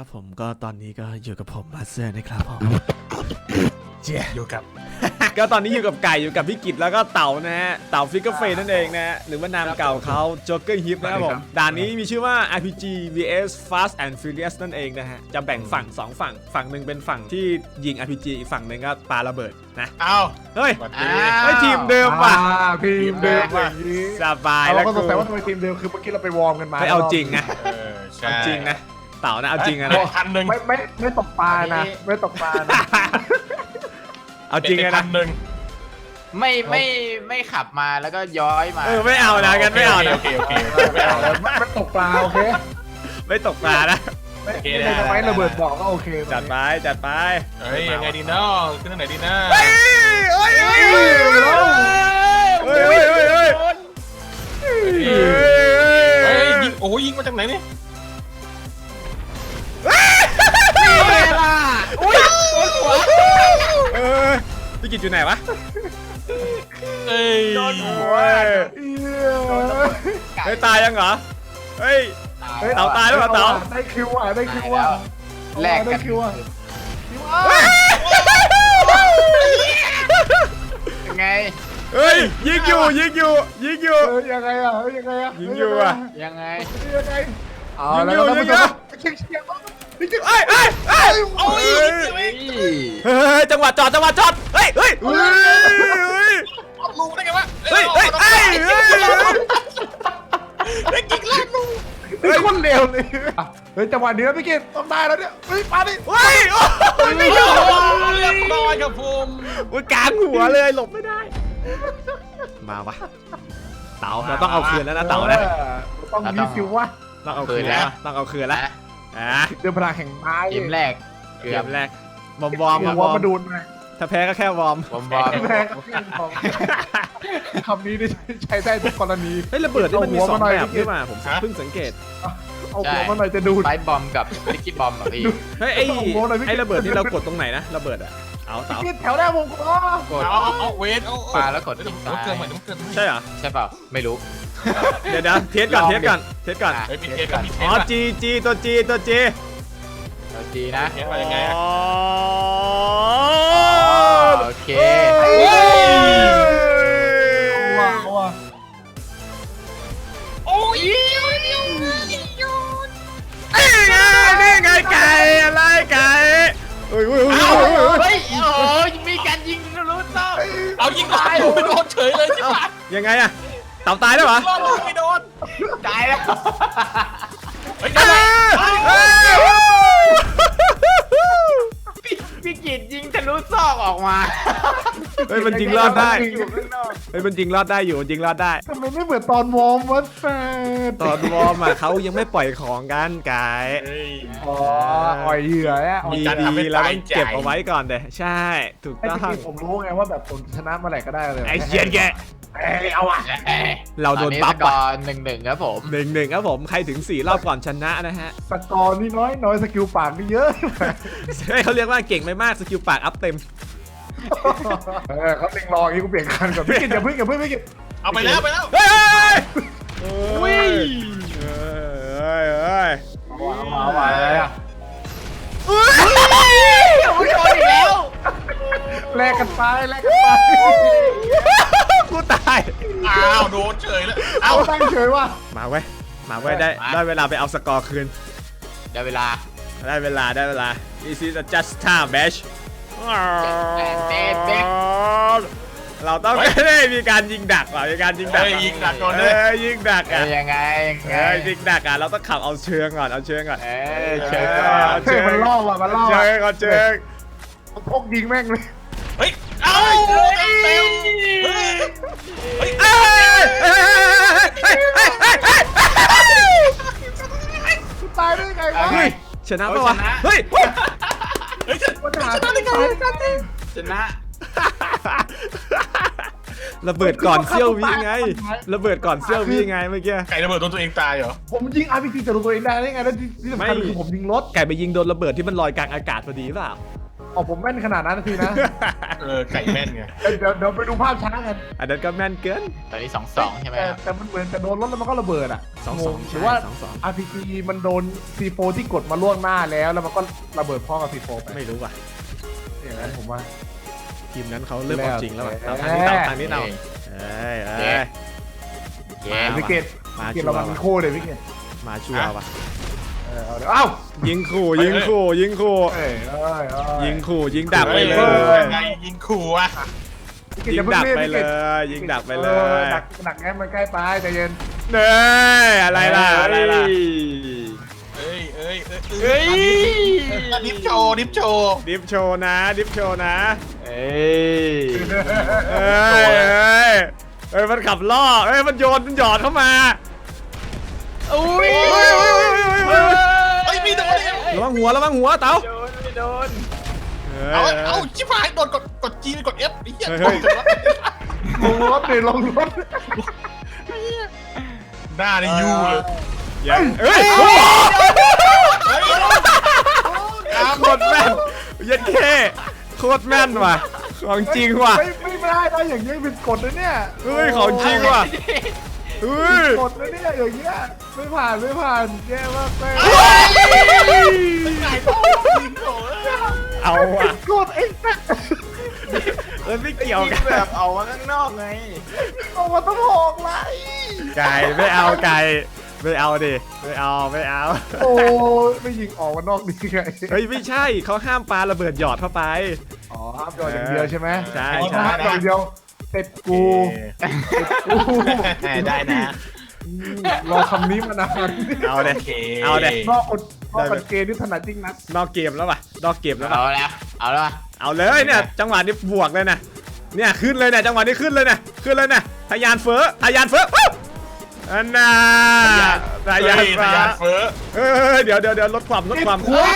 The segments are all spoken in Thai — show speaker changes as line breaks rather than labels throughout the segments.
ครับผมก็ตอนนี้ก็อยู่กับผมมาสเตอร์นะครับผมเจีย
อยู่กับ
ก็ตอนนี้อยู่กับไก่อยู่กับพี่กิตแล้วก็เต่านะฮะเต่าฟิกเกอร์เฟนนั่นเองนะฮะหรือว่านามเก่าเขาโจ๊กเกอร์ฮิปนะครับผมด่านนี้มีชื่อว่า RPG vs Fast and Furious นั่นเองนะฮะจะแบ่งฝั่ง2ฝั่งหนึ่งเป็นฝั่งที่ยิง RPG อีกฝั่งหนึ่งก็ปาระเบิดนะ
เอ้า
เฮ้ย
สวัสดี
ไม่ทีมเดิมว่ะ
ทีมเดิมอย่างนี้
สบาย
เรา
แล้ว
ก็ส
กู
งสัยว่าทำไมทีมเดิมคือเมื่อกี้เราไปวอร์มกันมา
ไม่เอาจริงนะ
ใช่
เอาจริงนะเต่านะเอาจริงนะ
พันหนึ่ง
ไม่ตกปลานะไม่ตกปลานะ
เอาจริงนะ
พันหนึ่ง
ไม่ขับมาแล้วก็ย้อยมา
ไม่เอานะกันไม่เอานะ
โอเคไม่เอาแล้ว
ไม่ตกปลาโอเค
ไม่ตกปลานะ
ไม่ทำไมระเบิดบอกก็โอเค
จัดไปจัดไป
เฮ้ยยังไงดีเนาะขึ้นทางไหนดีนะ
เฮ้ยเฮ้ยเฮ้ยเฮ้ยเฮ้ยเฮ้ยเฮ้ย
เฮ้ยยิงโอ้ยยิงมาจากไหนนี่
เวลาอุ้ยโดนหัว
พี่กิตอยู่ไหนวะ
เอ้ย
โดนหัว
เฮ้ยตายยังเหรอเฮ้ย เต่าตายแล้วเหรอเต่า
ได้คิวอ่ะได้คิวอ่ะ
แลก
ได้
กัน
คิวอ่ะ
ยังไง
เฮ้ยยิงอยู่ยิงอยู่ยิงอยู่
ยังไงอ่ะยังไงอ่ะ
ยิงอยู่อ่ะ
ยังไง
ยังไงเอาแล้วท่านผู้ชมเชียร์
เฮ้ยเฮ้ยเฮ้ย
โอ้ย
เฮ้ยจังหวะจอดเฮ้ยเฮ้ยเฮ้ย
ลูกได้ไงวะ
เฮ้ยเฮ้ยเฮ้ยเฮ้ย
ได้กินแล้วลูก
เฮ้ยคนเร็วเลยเฮ้ยจังหวะนี้แล้วพี่กิตต้องได้แล้วเนี่ยเฮ้ยมาดิ
เฮ้ยโอ้ยไม่ยอม
เรียบร้อยครับผม
มันกลางหัวเลยหลบไม่ได้มาวะเต่าเราต้องเอาคืนแล้วนะเต่านะ
ต้องมีคิววะ
ต้องเอาคืนแล้วต้องเอาคืนแล้วอ่ะ
เดือนพลังแห่งไม้
เกมแรก
เกมแรกวอร์มวอร์ม
หัวมาดูนมา
ถ้าแพ้ก็แค่วอร์ม
บอมบอม
แพ้คำนี้ได้ใช้ได้ทุกกรณี
เฮ้ยระเบิดนี่มันมี2แบบนี่มาผมเพิ่งสังเกต
เอาหัวมาหน่อยจะดูด
ไฟบอมกับลิกกี้บอมอ่ะพี่
เฮ้ยไอ้ระเบิดนี่เรากดตรงไหนนะระเบิดอะเอาเต่า
พี่แถวหน้าวงกลม
กด
เอาเวทเอา
ปาแล้วกดทิ้ง
มัน
ซ้าย
เกินเหมือนมันเกิน
ใช่เหรอ
ใช่เปล่าไม่รู้
เดี๋ยวเทสก่อน
เฮ้ยมีเทสกับมีเทส
อ๋อจีตัวจี
เราจีนะ
เทสมายังไง
อ๋อ
โอเค
ว้าว
โอ้ย
นี่ไงไก่อะไรไก่เฮ้ย
เฮ้ยโอ้ยมีการยิงรู้ต้อง
เอายิงตายไม่โดนเฉยเลยใช่ไหม
ยังไงอะเต่าตายแล้วเหรอ
รอดไม่โดน
ตายแล้ว
เฮ้ยได้ไหม
พี่กิตยิงทะลุซอกออกมา
เฮ้ยมันยิงรอดได้
อยู่ข้างนอก
เฮ้ยมันยิงรอดได้อยู่มันยิงรอดได้
ทำไมไม่เหมือนตอนวอร์มวะแฟน
ตอนวอร์มอะเขายังไม่ปล่อยของกันไก่
เฮ้ย
อ๋ออ่อยเหยื่อเนี่ย
มีการทำให้
ดีๆแล้ว
ตาย
ต้อง
ใจ
เก็บเอาไว้ก่อนเด้ใช่ถูก
ไอ้
ต้อง
ที่ผมรู้ไงว่าแบบผมชนะเมื่อไหร่ก็ได้เลย
ไอ้เชียนแก
เอาอ่ะ
เราโดนบัฟ
ก่
อ่ะ
อน1-1ครับผม
1-1ครับผมใครถึง4รอบก่อนชนะนะฮะ
สกอร์นี่น้อยสกิลปากนี่เยอะ
เขาเรียกว่าเก่งไม่มากสกิลปากอัพเต็ม
เขาเล็งรออย่างนี้กูเปลี่ยนคันก่อนพี่กินอย่าเพิ่งพี่กิน
เอาไปแล้วไปแล้ว
เฮ้ย
วิ่ง
เฮ้ย
มาอะไรอ่ะ
ผู้ชนอีกแล้ว
แลกกันไป
กูตาย
อ้าวโดนเฉยแล้ว
เอาตั้งเฉยว่า
มาเว้ยได้เวลาไปเอาสกอร์คืน
ได้เวลา
ได้เวลา This is a just time match เราต้องได้มีการยิงดักว่ะมีการยิงดัก
ยิงดักก่อน
เอ
เลย
อยิงดักอ่ะ
ยังไง
ยิงดักอ่ะเราต้องขับเอาเชิงก่อนเอาเชิงก่อน
เชิญ
เฮ้ยมันล่อว่ะมันล่อ
เชิงก่อนเชิง
พกยิงแม่งเลย
เฮ้ยเอาเต็มเฮ้ย
ตายได้ไงวะ
เฮ้ยชนะปะวะเฮ้ย
เฮ้ย
มันหาตายได้ไง
ชนะ
ระเบิดก่อนเซี่ยววิไงระเบิดก่อนเซี่ยววิไงเมื่อกี้
ไก่ระเบิดโดนตัวเองตายเหรอ
ผมยิง RPG จะรู้ตัวเองได้ไงแล้วที่สำคัญคือผมยิงรถ
ไก่ไปยิงโดนระเบิดที่มันลอยกลางอากาศพอดีเปล่า
อ๋อผมแม่นขนาดนั้นทีนะ
ไก่แม่นไง
เดี๋ยวไปดูภาพช้ากัน
อันนั้นก็แม่นเกิน
ตอนนี้2-2ใช่ไหมครับ
แต่มันเหมือนจะโดนรถแล้วมันก็ระเบิดอ่ะ
2-2
หรือว่า
ใช่2-2
RPG มันโดน C4 ที่กดมาล่วงหน้าแล้วมันก็ระเบิดพร้อมกับ C4 ไป
ไม่รู้ว่ะ
อย่างนั้นผมว่า
ทีมนั้นเขาเริ่มเอาจริงแล้วว่ะ
แล้ว
ทางนี้เราเอ้ย
เย้
วิกเกต
มา
วิกเกต
ชัว
ระวัง
ร์
มี
ว่ะ
โคเลยวิกเกต
มาชัวร์ว่ะ
เอ้า
ยิงขู่ยิงขู่ยิงขู่ ยิงขู่ยิงดักไปเลย
ไงยิงขู่อ่ะ
ยิงดักไปเลยยิงดักไปเลย
ดักแง้มมันใกล้ไปใจเย็น
เน่อะไรล่ะอะไรล่ะ
เอ้ยดิฟโชว์
ดิฟโชว์นะดิฟโชว์นะ
เอ้ย
เอ้ยมันขับล่อเอ้ยมันโยนมันหยอดเข้ามา
อุ้ย
เฮ้ยมีโดน
ระวังหัวเต๋า
โดนไม่โดน
เอาชิบหายโดนกด G กด F ไอ้เหี้ย
ลงรถดิลงรถ
หน้าในยูเลย
ยังเอ้ยโคตรแม่นยัดเข้โคตรแม่นว่ะของจริงว่ะ
ไม่ได้นะอย่างนี้เป็นกฎนะเนี่ย
เฮ้ยของจริงว่ะเฮ้ย
กฎนะเนี่ยอย่างเงี้ยไม่ผ่านแย่มากเลย
ไก่ต้องยิงโถ
เอาว่ะ
กฎไอ้แม่
ไม่เกี่ยวกัน
แบบเอามาข้างนอกไง
เอามาต้องหอกไร
ไก่ไม่เอาไก่ไม่เอาดิไม่เอา
โอ้ไม่ยิงออกมานอกดีไง
เฮ้ยไม่ใช่เขาห้ามปาระเบิดหยอดเข้าไป
อ๋อห้ามโดนอย่างเดียวใช่ไหม
ใช่
ห้ามโดนอย่างเดียวเต็ดกูกู
ได้นะ
รอคำนี้มานาน
เอาเลยเอาเลย
นอกกฎเกณฑ์นี่ถนัดจริงนะ
นอกเกมแล้วป่ะนอกเกมแล้วป่ะ
เอาแล้วเอาแล้ว
เอาเลยเนี่ยจังหวะนี้บวกเลยนะเนี่ยขึ้นเลยเนี่ยจังหวะนี้ขึ้นเลยนะทะยานเฟ้ออันน่ะทะยานฟ้า
เฟ้อ
เดี๋ยวลดความ
เอ้า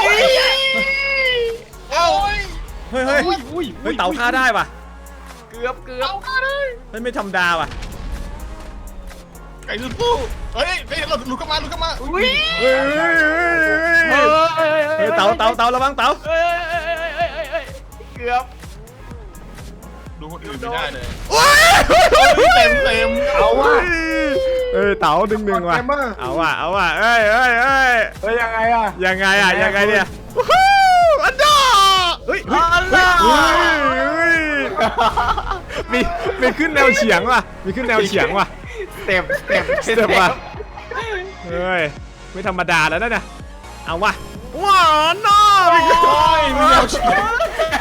เฮ้ยเต่าฆ่าได้ป่ะ
เกือบ
เฮ้ยไม่ธรรมดาว่ะ
ไก่ลุ้นสู้เฮ้ยหลุดเข้ามา
อุ้ย
เฮ้ยเต่าระวังเต่า
เกือบ
ดูคนอื่นไม่ได้เลย
เต็ม
เอาว่ะ
เฮ้ยเต่าดึงว่ะเอาว่ะเอ้ย
เฮ้ยยังไงอ่ะ
ยังไงเนี่ยอันดอเฮ้ยมีขึ้นแนวเฉียงว่ะ
เต็ม
ว่ะเฮ้ยไม่ธรรมดาแล้วนะเอาว่ะว้าวน้อมีแนวเฉียง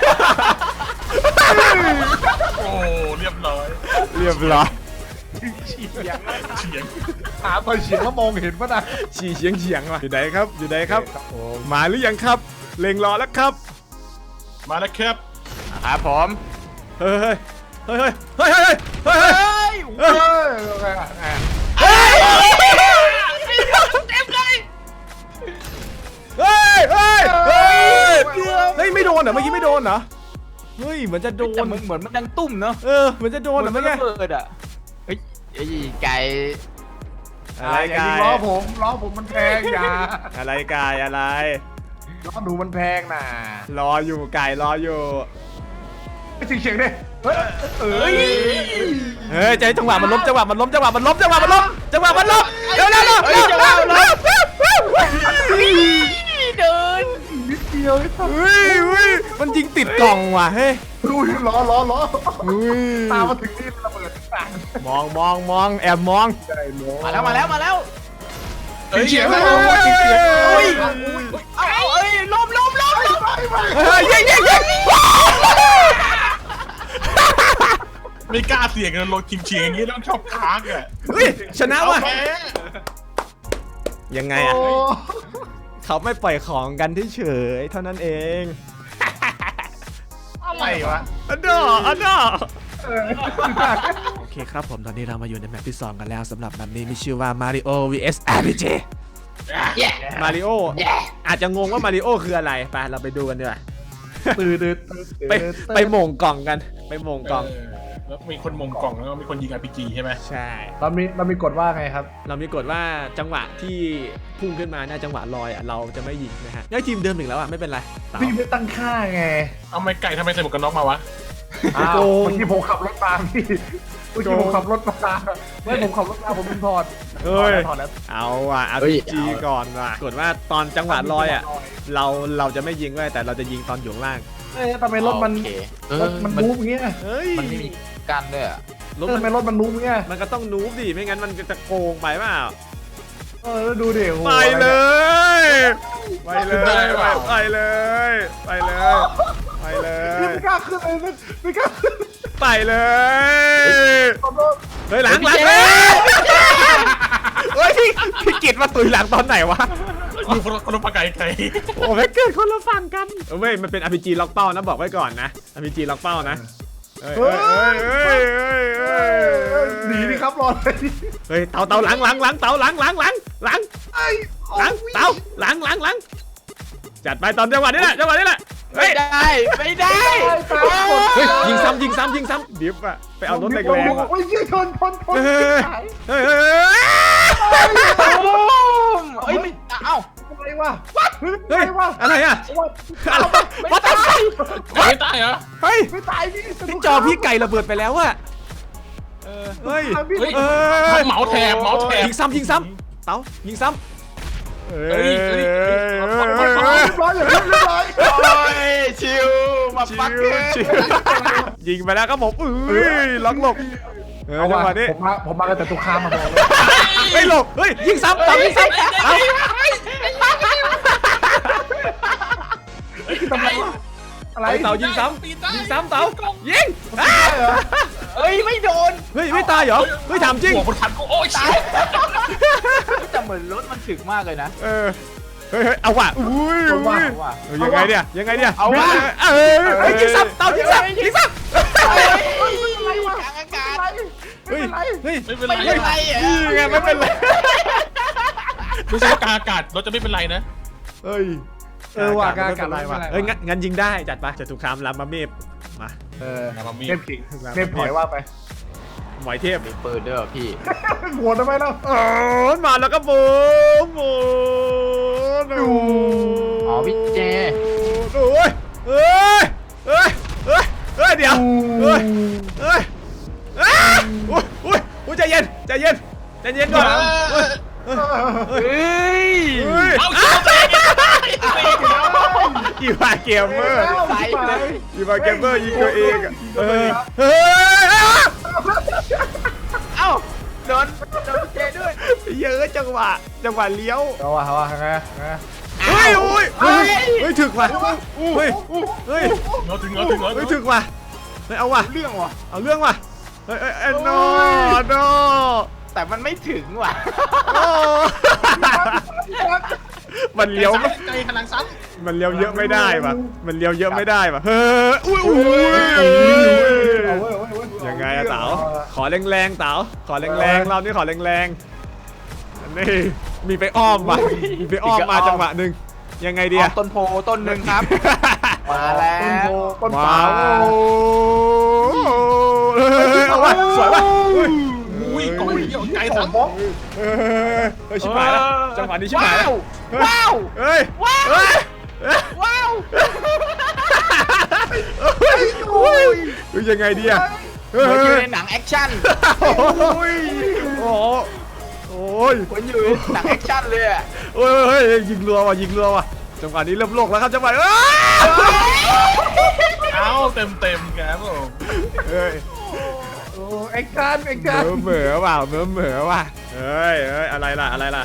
โอ้เรียบร้อย
เรียบร้อย
เฉียง
หาตัวเฉียงแล้วมองเห็นป่ะนะ
เฉียงว่ะอยู่ไหนครับมาหรือยังครับเล็งรอแล้วครับ
มาแล้วครับ
ครับผม
เฮ้ย
เฮ้ยยังไงอ่ะ
เฮ้ยไม่โดนเหรอเมื่อกี้ไม่โดนเหรอเฮ้ยเหมือนจะโด
แต่
น
เหมือนมันดังตุ้มเนาะ
เหมือนจะโดนเหรอเมื่อกี้
เปิดอ่ะเฮ้ยไอ้ไก่
อะไร
อย่าก
า
ยิง
ย
ล้อผมมันแพงอย่า
อะไรกายอะไร
ล้อหนูมันแพงน่ะ
รออยู่ไก่รออยู่
ไม่เฉียงดิเฮ้ย
เฮ้ยใจจังหวะมันล้มเร็วเร็ว
เดิน
นิดเดียวไอ้สัส
เฮ้ยมันยิงติดกล่องว่ะเฮ้ย
อุ้ยล้อ
เฮ้ย
ตามมาถึงนี่ระเบิดต่าง
มองแอบมอง
ใจโน้
มาแล้ว
เฉียง
อุ้ยเอาเอ้ยล้ม
เฮ้ยยิง
ไม่กล้าเสี่ยงกันลงเฉียงอย่างนี้ต้องชอบค้างอ่ะ
เฮ้ยชนะว่ะ
แพ้
ยังไงอ่ะเขาไม่ปล่อยของกันเฉยเท่านั้นเอง
อะไรวะ
อันดอโอเคครับผมตอนนี้เรามาอยู่ในแมปที่ 2 กันแล้วสำหรับแมปนี้มีชื่อว่า Mario vs RPG มาริโออาจจะงงว่ามาริโอคืออะไรไปเราไปดูกันดีกว่า
ตื่น
ไปโหม่งกล่องกันไปโหม่งกล่อง
แล้วมีคนมงกล่องแล้วก็มีคนยิง RPG ใช่ไหม
ใช่
เรามีกฎว่าไงครับ
เรามีกฎว่าจังหวะที่พุ่งขึ้นมาหน้าจังหวะลอยอ่ะเราจะไม่ยิงนะฮะได้ทีมเดิมถึงแล้วอ่ะไม่เป็นไรเต๋า
พี่ไม่ตั้งค่าไง
เอาไม่ไก่ทำไมใส่หมวกกันน็อกมาวะ
อ้าว
โกง
เมื่อกี้ผมขับรถมาพี่เมื่อกี้ผมขับรถมาไม่ผมขับรถมาผมเป็นพอร์ต
เฮ้ย
ถอดแล้ว
เอาอ่ะ RPG ก่อนว่ะกฎว่าตอนจังหวะลอยอ่ะเราจะไม่ยิงไว้แต่เราจะยิงตอนอยู่ข้างล่าง
เอ้ยทำไมรถมัน
โอเค
รถมันนูบอย่างเงี้ย
เฮ้ย
มันไม่มีกันด้วยอะ
รถ
ทำไมรถมันนูบอย่างเงี้ย
มันก็ต้องนูบดิไม่งั้นมันจะโกงไปเปล่า
แล้วดูดิโอ้โห
ไปเลยไปเลยไปเลยไปเลยไปเล
พี่
ย
ไม่กล้าขึ้นเลยไม่กล้าขึ้น
ไปเลย
ขอโทษ
เฮ้ยหลังเฮ้ยพี่กิตมาตุยหลังตอนไหนวะ
อยู่คนละปากไก่
โอ้แม่เกิดคนละฝั่งกันเว้ยมันเป็น RPG ล็อกเป้านะบอกไว้ก่อนนะ RPG ล็อกเป้านะเฮ้ย
หนีดิครับรอเลย
เฮ้ยเต่าหลังเต่าหลัง
ไอ้
เต่าหลังจัดไปตอนจังหวะนี้แหละเฮ้
ไม่
ย
ได้ไม่ได้
เฮ้ยยิงซ้ำดิฟอะไปเอารถแรงๆอะ
โอ้ยชน
เฮ้ย
เอ้ยไม่เอ้า
อะไรวะ
เฮ้ยอะไรอะวัดตาย
ๆไม่ตายเหรอ
เฮ้ย
ไม่ตายพี่
จอพี่ไก่ระเบิดไปแล้วอะเฮ้ย
เหมาแถบ
ยิงซ้ำเต๋ายิงซ้ำ
เฮ้ย
เรียบร้อยอย่างเรียบร้อย
โอ้ยชิวมาปักเกอร์
ยิงไปแล้วครับผมล็อกหลบจังหวะนี้
ผมมากันแต่ตุกคามมาบอกเลย
ไม่หลบเฮ้ยยิงซ้ำเต๋ายิงซ้ำเต๋า
ทำไมวะอะไร
เต๋ายิงซ้ำเต๋ายิง
เอ้ยไม่โดน
เฮ้ยไม่ตายเหรอเฮ้ยถามจริง
หัวคนทันกูโอ้ย
ตายแต่เหมือนรถมันถึกมากเลยนะ
เฮ้ยเอาว่ะอุ้ยยังไงเนี่ย
เอาว่ะ
ยิงซ้ำเต๋ายิงซ้ำ
อะไรวะ
กลางอากาศ
เฮ้ย
ไม่เป็น
ไม่
ไร
เป็นไรอ่ะ
นี่ไงไม่เป็นไร
ไม่ใช่กลางอากาศรถจะไม่เป็นไรนะ
เฮ้ย
ว่ากากอะไรวะ
เฮ้ยงั้นยิงได้จัดไปจะถูกคามลำมาเมฟมา
เทพขิงเทพถอยว่าไป
หมอยเทพ
มีปืนด้วยเหรอพี่
หัวทำไมล่ะ
มาแล้วก็บูม
อ๋อพี่เจ
โอ้ยเดี๋ยวอุ้ยใจเย็นก่อน
เฮ้ย
เอาชิวเตะ
อีวาเกมเมอร์
ใส่เลย
อีวาเกมเมอร์ยิงตัวเองเฮ้ย
เอ้าโดนพี่เจด้วย
เยอะจังหวะเลี้ยว
เอาวะไง
เฮ้ยถึกว่ะเฮ้ย
เราถึง
ถึกว่ะเฮ้ยเอาว่ะ
เรื่องว่ะ
เอาเรื่องว่ะเฮ้ยโน
แต่มันไม่ถึงว่ะ
มันเลี้ยว
ใจขนาดซ้
มันเลี้ยวเยอะไม่ได้ว่ะเฮ้ยยังไงอะเต๋าขอแรงๆเต๋าขอแรงๆเรานี่ขอแรงๆอันนี้มีไปอ้อมว่ะมาจังหวะหนึ่งยังไงดีอะ
ต้นโพต้นหนึ่งครับ มาแล้ว
ต้น
ว้า
สาว
เอาว่ะสวยว่ะ
ำอุ้ยกล่องเดียวไกลทั้ง
เฮ้ยชิบหายแล้วจังหวะนี้ชิบหายแล้ว
ว้าว
เฮ้ย
ว้าว
ยังไงดีอะ
เหมือนอยู่ในหนังแอคชั่น
โอ้ยโอ้ย
เหมือนอยู่ในหนังแอคชั่นเลยอะ
เฮ้ยยิงรัวว่ะจังหวะนี้เริ่มโลกแล้วครับจังหวะ
เอาเต็มครับผม
เฮ้ย
โอ้เอ็กซ์การ
เหม่อว่ะเฮ้ยอะไรล่ะ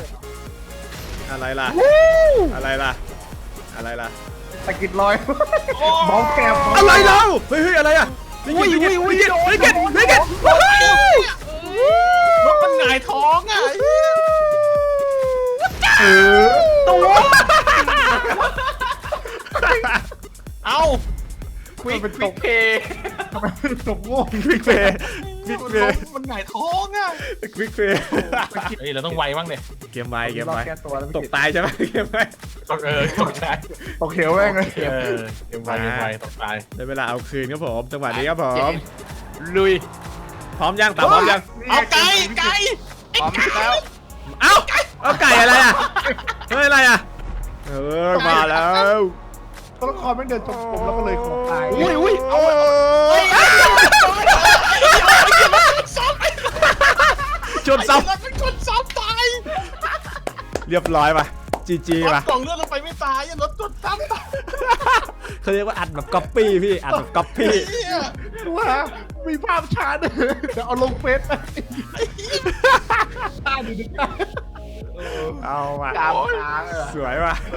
ตะกิดลอยมองแกม
อะไรเราเฮ้ยอะไรอะไม่เก็ต
รถมันหงายท้องอ่ะ
ตัว
เอา
ควิกเพย์
ทำไมตกโง่
ควิกเฟย์
มันหงายท้องอ่ะ
ควิกเฟย์
เฮ้ยเราต้องไวบ้างเนี่ย
เกมไว
แก้ตัวแล้ว
ตกตายใช่ไหมเกมไว
ตกใจ
ตกเขียวแม่งเลย
เกมไวตกตาย
ได้เวลาเอาคืนครับผมจังหวะนี้ครับผม
เลุย
พร้อมยังเต่าพร้อมยัง
เอาไก่ไก่
พร้อมแล้ว
เอ้าเอาไก่อะไรอ่ะเฮ้ยอะไรอ่ะมาแล้ว
ตัวละครแม่งเดินจงกรมแล้วก็เลยของตาย
อุ้ยเอา
ชนซ้
เป็นคนซ้ำตาย
ำเรียบร้อยป่ะจีจี
รถ
ป่ะ
กล่องเลือดลงไปไม่ตายรถจนซ้ำตาย
เขาเรียกว่าอัดแบบก๊อปปี้พี่อัดแบบก๊อปปี้
ว่ามีภาพช้าเดี๋ยวเอาลงเฟซไปตาดูดิ
เอาว่ะ
กลางค้างเลย
สวยว่ะ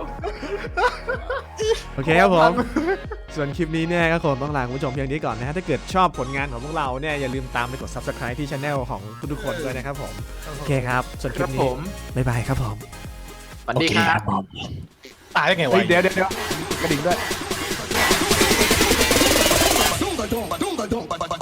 โอเคครับผมส่วนคลิปนี้เนี่ยก็คงต้องลาคุณผู้ชมเพียงนี้ก่อนนะฮะถ้าเกิดชอบผลงานของพวกเราเนี่ยอย่าลืมตามไปกด subscribe ที่ channel ของทุกๆคนด้วยนะครับผมโอเคครับส่วนค
ค
ลิ
รั
ป
บ
นี้
ผม
บ๊ายบายครับผม
สวัสดีครับ
ตายได้ไงวะ
เฮ้ยเดี๋ยวกระดิ่งด้วย
Ba-dum, ba-dum, ba-dum, ba-dum, ba-dum.